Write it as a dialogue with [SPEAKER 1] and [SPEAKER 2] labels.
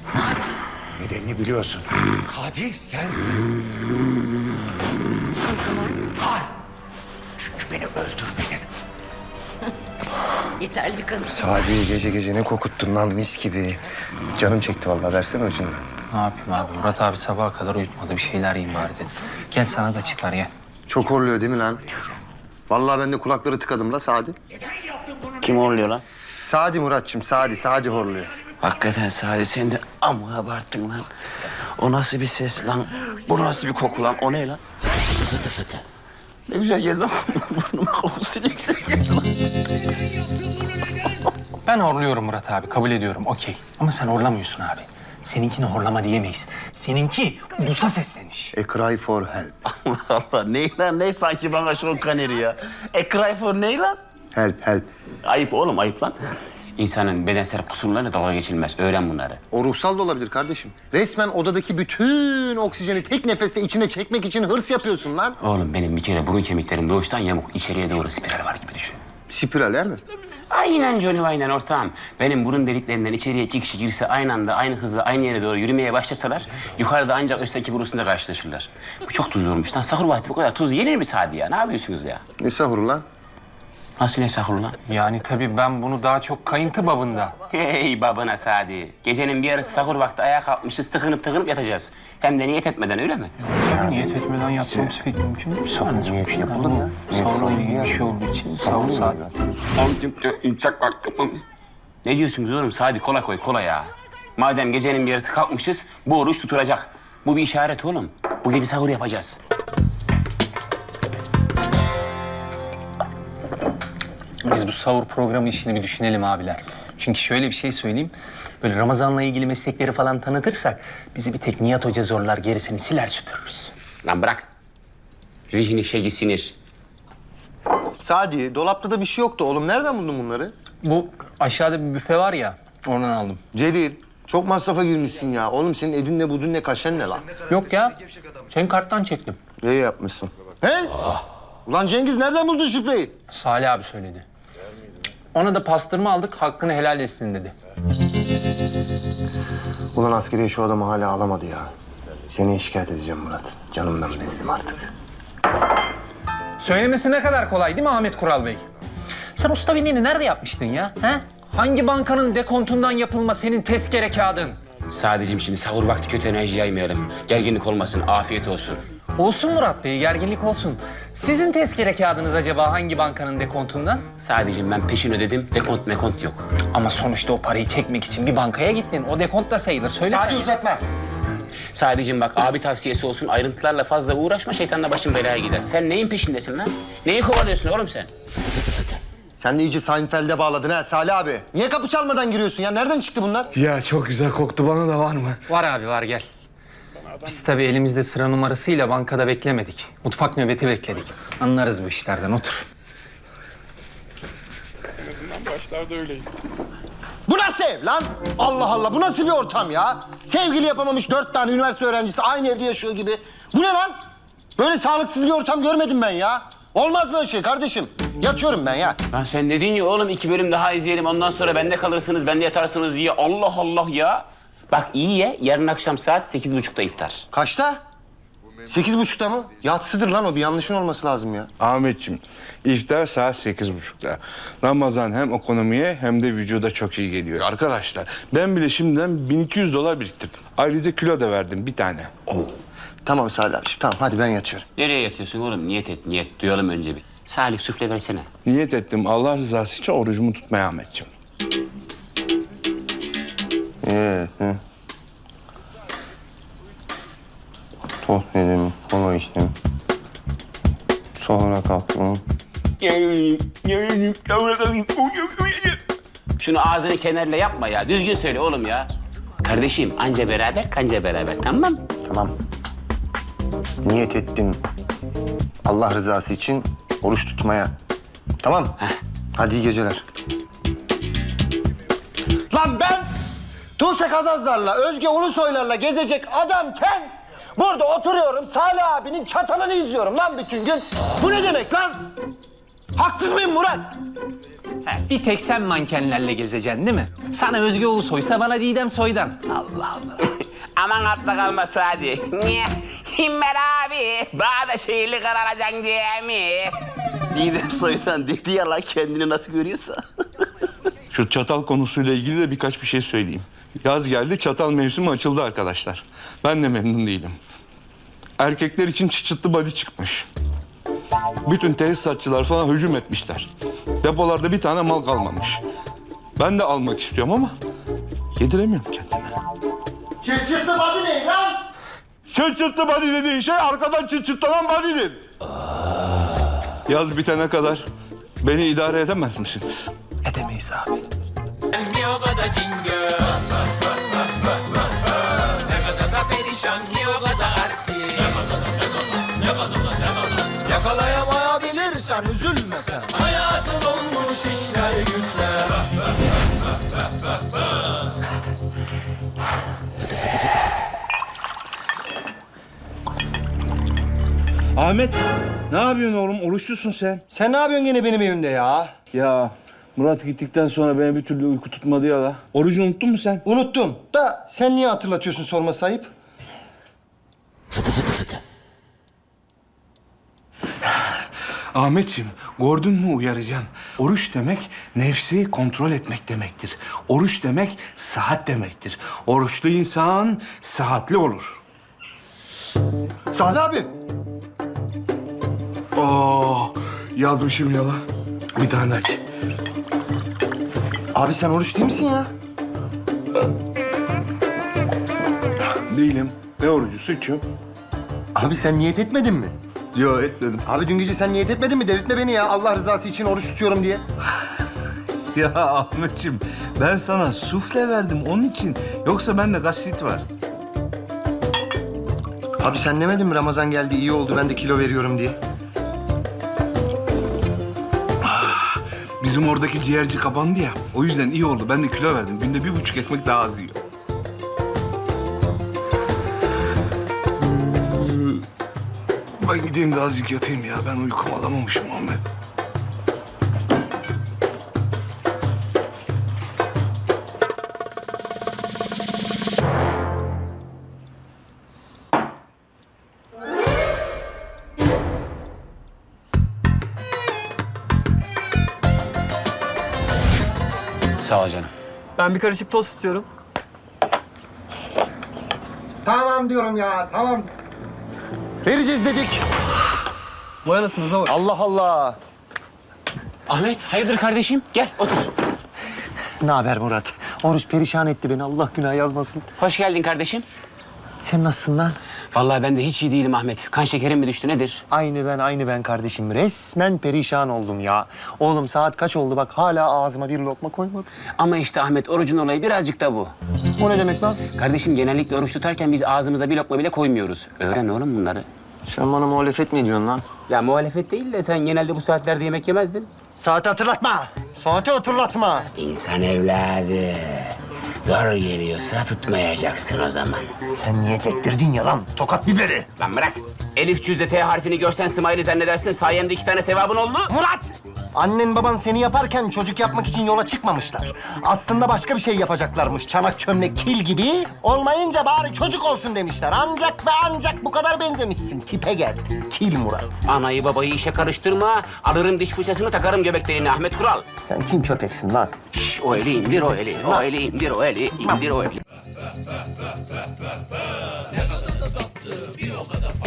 [SPEAKER 1] Nedenini biliyorsun. Katil sensin. Hayır. Çünkü beni öldürmedin.
[SPEAKER 2] Yeterli bir kanıt.
[SPEAKER 3] Sadi gece gece ne kokuttun lan mis gibi. Canım çekti vallahi versene ucundan.
[SPEAKER 4] Ne yapayım abi? Murat abi sabaha kadar uyutmadı. Bir şeyler yiyeyim bari dedim. Gel sana da çıkar gel.
[SPEAKER 3] Çok horluyor değil mi lan? Vallahi ben de kulakları tıkadım la Sadi.
[SPEAKER 5] Kim horluyor lan?
[SPEAKER 3] Sadi Muratçım Sadi horluyor.
[SPEAKER 5] Hakikaten Sadi sen de amma abarttın lan. O nasıl bir ses lan? Bu nasıl bir koku lan? O ne lan? Fıtı fıtı fıtı. Ne güzel geldi lan. Burnuma kokusu ne güzel geldi lan.
[SPEAKER 4] Ben horluyorum Murat abi. Kabul ediyorum. Okey. Ama sen horlamıyorsun abi. Seninkini horlama diyemeyiz. Seninki ulusa sesleniş.
[SPEAKER 3] A cry for help.
[SPEAKER 5] Allah Allah. Ne lan? Ne sanki bana şu kaneri ya? Cry for ne lan?
[SPEAKER 3] Help.
[SPEAKER 5] Ayıp oğlum ayıp lan. İnsanın bedensel kusurlarına dalga geçilmez. Öğren bunları.
[SPEAKER 3] O ruhsal da olabilir kardeşim. Resmen odadaki bütün oksijeni tek nefeste içine çekmek için hırs yapıyorsun lan.
[SPEAKER 5] Oğlum benim bir kere burun kemiklerim doğuştan yamuk. İçeriye doğru spiral var gibi düşün.
[SPEAKER 3] Spiral he mi?
[SPEAKER 5] Aynen Johnny aynen ortağım. Benim burun deliklerinden içeriye 2 kişi girse aynı anda, aynı hızla, aynı yere doğru yürümeye başlasalar... ...yukarıda ancak üstteki burusunda karşılaşırlar. Bu çok tuzlu olmuş lan. Sahur vakti bu kadar tuz yenir mi Sadi ya? Ne yapıyorsunuz ya?
[SPEAKER 3] Ne sahuru lan?
[SPEAKER 5] Nasıl ne sahur lan?
[SPEAKER 4] Yani tabii ben bunu daha çok kayıntı babında.
[SPEAKER 5] Hey babana Sadi. Gecenin bir yarısı sahur vakti ayağa kalkmışız, tıkınıp yatacağız. Hem de niyet etmeden öyle mi?
[SPEAKER 4] Tabii niyet etmeden yapmamız pek mümkün değil.
[SPEAKER 3] Sahur niyeti yapılır ya.
[SPEAKER 4] Sahurla ilgili bir şey olduğu için sahur saat.
[SPEAKER 5] Ne diyorsunuz oğlum? Sadi kola koy, kola ya. Madem gecenin bir yarısı kalkmışız, bu oruç tutulacak. Bu bir işaret oğlum. Bu gece sahur yapacağız.
[SPEAKER 4] Biz bu sahur programı işini bir düşünelim abiler. Çünkü şöyle bir şey söyleyeyim. Böyle Ramazan'la ilgili meslekleri falan tanıtırsak... ...bizi bir tek Nihat Hoca zorlar, gerisini siler süpürürüz.
[SPEAKER 5] Lan bırak. Zihni şeyi sinir.
[SPEAKER 3] Sadi dolapta da bir şey yoktu oğlum. Nereden buldun bunları?
[SPEAKER 4] Bu aşağıda bir büfe var ya, oradan aldım.
[SPEAKER 3] Celil çok masrafa girmişsin ya. Oğlum senin edinle budunle kaşen ne lan?
[SPEAKER 4] Yok ya, senin karttan çektim.
[SPEAKER 3] İyi yapmışsın. He? Ulan Cengiz nereden buldun şifreyi?
[SPEAKER 4] Salih abi söyledi. Ona da pastırma aldık, hakkını helal etsin dedi.
[SPEAKER 3] Ulan askeriye şu adamı hala alamadı ya. Seni şikayet edeceğim Murat. Canımdan bezdim artık.
[SPEAKER 4] Söylemesi ne kadar kolay değil mi Ahmet Kural Bey? Sen usta binliğini nerede yapmıştın ya? He? Hangi bankanın dekontundan yapılma senin tezkere kağıdın?
[SPEAKER 5] Sadece şimdi sahur vakti kötü enerji yaymayalım. Gerginlik olmasın, afiyet olsun.
[SPEAKER 4] Olsun Murat Bey, gerginlik olsun. Sizin tezkere kağıdınız acaba hangi bankanın dekontundan?
[SPEAKER 5] Sadece ben peşin ödedim, dekont mekont yok.
[SPEAKER 4] Ama sonuçta o parayı çekmek için bir bankaya gittin. O dekont da sayılır. Söyle
[SPEAKER 3] Sadi
[SPEAKER 4] sen.
[SPEAKER 3] uzatma.
[SPEAKER 5] Sadece bak abi tavsiyesi olsun, ayrıntılarla fazla uğraşma, şeytanla başın belaya gider. Sen neyin peşindesin lan? Neyi kovalıyorsun oğlum sen?
[SPEAKER 3] Sen de iyice Seinfeld'e bağladın ha Salih abi. Niye kapı çalmadan giriyorsun ya? Nereden çıktı bunlar?
[SPEAKER 6] Ya çok güzel koktu, bana da var mı?
[SPEAKER 4] Var abi var, gel. Biz tabii elimizde sıra numarasıyla bankada beklemedik. Mutfak nöbeti bekledik. Anlarız bu işlerden, otur.
[SPEAKER 3] Bu nasıl ev lan? Allah Allah bu nasıl bir ortam ya? Sevgili yapamamış 4 tane üniversite öğrencisi aynı evde yaşıyor gibi. Bu ne lan? Böyle sağlıksız bir ortam görmedim ben ya. Olmaz böyle şey kardeşim. Yatıyorum ben ya.
[SPEAKER 5] Lan sen dedin ya oğlum 2 bölüm daha izleyelim, ondan sonra bende kalırsınız, bende yatarsınız diye. Allah Allah ya. Bak iyi ye, yarın akşam saat 8.30'da iftar.
[SPEAKER 3] Kaçta? 8.30'da mı? Yatsıdır lan o, bir yanlışın olması lazım ya.
[SPEAKER 6] Ahmetciğim, iftar saat 8.30'da. Ramazan hem ekonomiye hem de vücuda çok iyi geliyor. Arkadaşlar, ben bile şimdiden $1200 biriktirdim. Ayrıca kilo da verdim bir tane.
[SPEAKER 3] Tamam Salih abi, tamam hadi ben yatıyorum.
[SPEAKER 5] Nereye yatıyorsun oğlum? Niyet et, niyet. Duyalım önce bir. Salih süfle versene.
[SPEAKER 6] Niyet ettim Allah rızası için orucumu tutmaya Ahmetciğim.
[SPEAKER 3] Hı. Tost yedim, kola içtim. Sonra kalktım.
[SPEAKER 5] Şunu ağzını kenarla yapma ya. Düzgün söyle oğlum ya. Kardeşim anca beraber kanca beraber, tamam mı?
[SPEAKER 3] Tamam. Niyet ettim. Allah rızası için oruç tutmaya. Tamam.
[SPEAKER 5] Heh.
[SPEAKER 3] Hadi iyi geceler. Lan ben Tuğçe Kazazlar'la, Özge Ulusoylar'la gezecek adamken burada oturuyorum Salih abinin çatalını izliyorum lan bütün gün. Bu ne demek lan? Haksız mıyım Murat?
[SPEAKER 4] Bir tek sen mankenlerle gezeceksin değil mi? Sana Özge Ulusoy'sa bana Didem Soy'dan. Allah Allah.
[SPEAKER 5] Aman atla kalma Sadi. Niye? Himmel abi. Daha da şehirli kararacaksın diye mi? Didem Soy'dan dedi ya lan kendini nasıl görüyorsa.
[SPEAKER 6] Şu çatal konusuyla ilgili de birkaç bir şey söyleyeyim. Yaz geldi, çatal mevsimi açıldı arkadaşlar. Ben de memnun değilim. Erkekler için çıtlı body çıkmış. Bütün tesisatçılar falan hücum etmişler. Depolarda bir tane mal kalmamış. Ben de almak istiyorum ama yediremiyorum kendime.
[SPEAKER 3] Çıtçıtlı body ne lan?
[SPEAKER 6] Çıtlı body dediğin şey arkadan çıtlanan body'dir. Yaz bitene kadar beni idare edemez misiniz?
[SPEAKER 4] Edemeyiz abi.
[SPEAKER 3] Yakalayamayabilirsen üzülme sen. Hayatın olmuş işler güçler.
[SPEAKER 6] Ahmet, ne yapıyorsun oğlum? Oruçlusun sen.
[SPEAKER 3] Sen ne yapıyorsun gene benim evimde ya?
[SPEAKER 6] Ya Murat gittikten sonra beni bir türlü uyku tutmadı ya la. Orucu unuttun mu sen?
[SPEAKER 3] Unuttum. Da sen niye hatırlatıyorsun sorması ayıp?
[SPEAKER 6] Ahmetciğim, gördün mü uyaracaksın? Oruç demek nefsi kontrol etmek demektir. Oruç demek sıhhat demektir. Oruçlu insan sıhhatli olur.
[SPEAKER 3] Salih abi.
[SPEAKER 6] Yazmışım yala. Bir tane aç.
[SPEAKER 3] Abi sen oruç değil misin ya?
[SPEAKER 6] Değilim. Ne orucu? Su içiyorum.
[SPEAKER 3] Abi sen niyet etmedin mi?
[SPEAKER 6] Yo, etmedim.
[SPEAKER 3] Abi dün gece sen niyet etmedin mi? Delirtme beni ya. Allah rızası için oruç tutuyorum diye.
[SPEAKER 6] Ya Ahmetciğim, ben sana sufle verdim onun için. Yoksa bende gastrit var.
[SPEAKER 3] Abi sen demedin mi Ramazan geldi iyi oldu ben de kilo veriyorum diye?
[SPEAKER 6] Bizim oradaki ciğerci kapandı ya. O yüzden iyi oldu. Ben de kilo verdim. Günde 1,5 ekmek daha az yiyor. Ben gideyim de azıcık yatayım ya. Ben uykumu alamamışım Ahmet.
[SPEAKER 5] Sağ ol canım.
[SPEAKER 2] Ben bir karışık tost istiyorum.
[SPEAKER 3] Tamam diyorum ya tamam. Vereceğiz dedik.
[SPEAKER 2] Vay anasınıza bak.
[SPEAKER 3] Allah Allah.
[SPEAKER 5] Ahmet hayırdır kardeşim? Gel otur.
[SPEAKER 3] Ne haber Murat? Oruç perişan etti beni Allah günah yazmasın.
[SPEAKER 5] Hoş geldin kardeşim.
[SPEAKER 3] Sen nasılsın lan?
[SPEAKER 5] Vallahi ben de hiç iyi değilim Ahmet. Kan şekerim mi düştü nedir?
[SPEAKER 3] Aynı ben kardeşim. Resmen perişan oldum ya. Oğlum saat kaç oldu bak hala ağzıma bir lokma koymadım.
[SPEAKER 5] Ama işte Ahmet orucun olayı birazcık da bu.
[SPEAKER 3] O ne demek lan?
[SPEAKER 5] Kardeşim genellikle oruç tutarken biz ağzımıza bir lokma bile koymuyoruz. Öğren oğlum bunları.
[SPEAKER 3] Sen bana muhalefet mi ediyorsun lan?
[SPEAKER 5] Ya muhalefet değil de sen genelde bu saatlerde yemek yemezdin.
[SPEAKER 3] Saati hatırlatma. Saati hatırlatma.
[SPEAKER 5] İnsan evladı. Zor geliyorsa tutmayacaksın o zaman.
[SPEAKER 3] Sen niyet ettirdin ya lan. Tokat biberi.
[SPEAKER 5] Lan bırak. Elif cüzde T harfini görsen Smiley zannedersin. Sayemde 2 tane sevabın oldu.
[SPEAKER 3] Murat! Annen baban seni yaparken çocuk yapmak için yola çıkmamışlar. Aslında başka bir şey yapacaklarmış. Çanak çömlek kil gibi. Olmayınca bari çocuk olsun demişler. Ancak ve ancak bu kadar benzemişsin. Tipe gel. Kil Murat.
[SPEAKER 5] Anayı babayı işe karıştırma. Alırım diş fırçasını takarım göbek deliğine Ahmet Kural.
[SPEAKER 3] Sen kim köpeksin lan?
[SPEAKER 5] Şş, o eli indir o eli. O eli indir o eli. İndir o eli.